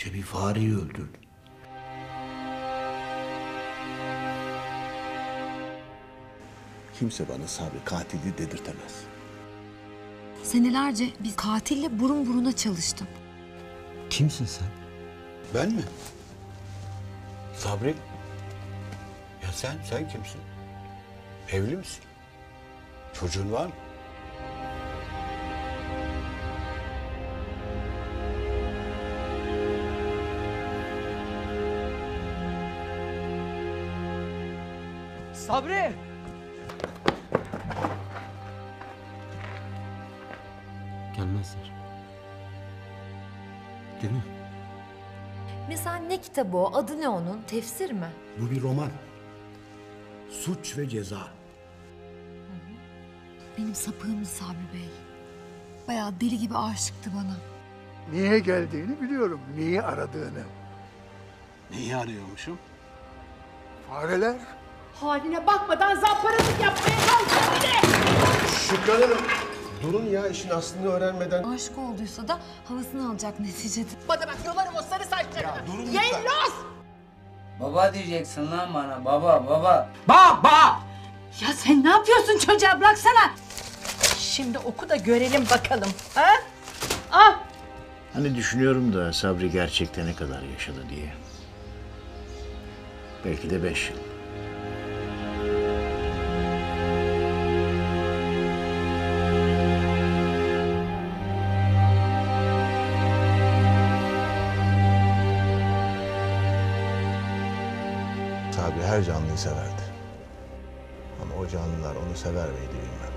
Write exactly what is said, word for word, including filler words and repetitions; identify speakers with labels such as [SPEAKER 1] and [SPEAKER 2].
[SPEAKER 1] İşte bir fareyi öldürdü. Kimse bana Sabri katili dedirtemez.
[SPEAKER 2] Senelerce bir katille burun buruna çalıştım.
[SPEAKER 3] Kimsin sen?
[SPEAKER 1] Ben mi? Sabri? Ya sen, sen kimsin? Evli misin? Çocuğun var mı?
[SPEAKER 4] Sabri!
[SPEAKER 3] Gelmezler. Değil mi?
[SPEAKER 2] Mesela ne kitabı o? Adı ne onun? Tefsir mi?
[SPEAKER 1] Bu bir roman. Suç ve Ceza.
[SPEAKER 2] Benim sapığımdı Sabri Bey. Bayağı deli gibi aşıktı bana.
[SPEAKER 5] Niye geldiğini biliyorum, niye aradığını.
[SPEAKER 1] Neyi arıyormuşum?
[SPEAKER 5] Fareler.
[SPEAKER 6] Haline bakmadan zamparalık yapmaya kalkıyor bir de.
[SPEAKER 7] Şükran Hanım, durun ya işin aslını öğrenmeden.
[SPEAKER 2] Aşık olduysa da havasını alacak neticede.
[SPEAKER 6] Bana bak yolarım o sarı saçlarını.
[SPEAKER 7] Ya durun lütfen.
[SPEAKER 6] Yellos!
[SPEAKER 8] Baba diyeceksin lan bana. Baba, baba.
[SPEAKER 6] Baba! Ya sen ne yapıyorsun çocuğa, bıraksana. Şimdi oku da görelim bakalım. Ha? Ah!
[SPEAKER 9] Hani düşünüyorum da Sabri gerçekten ne kadar yaşadı diye. Belki de beş yıl.
[SPEAKER 7] Sabri her canlıyı severdi. Ama o canlılar onu sever miydi bilmem.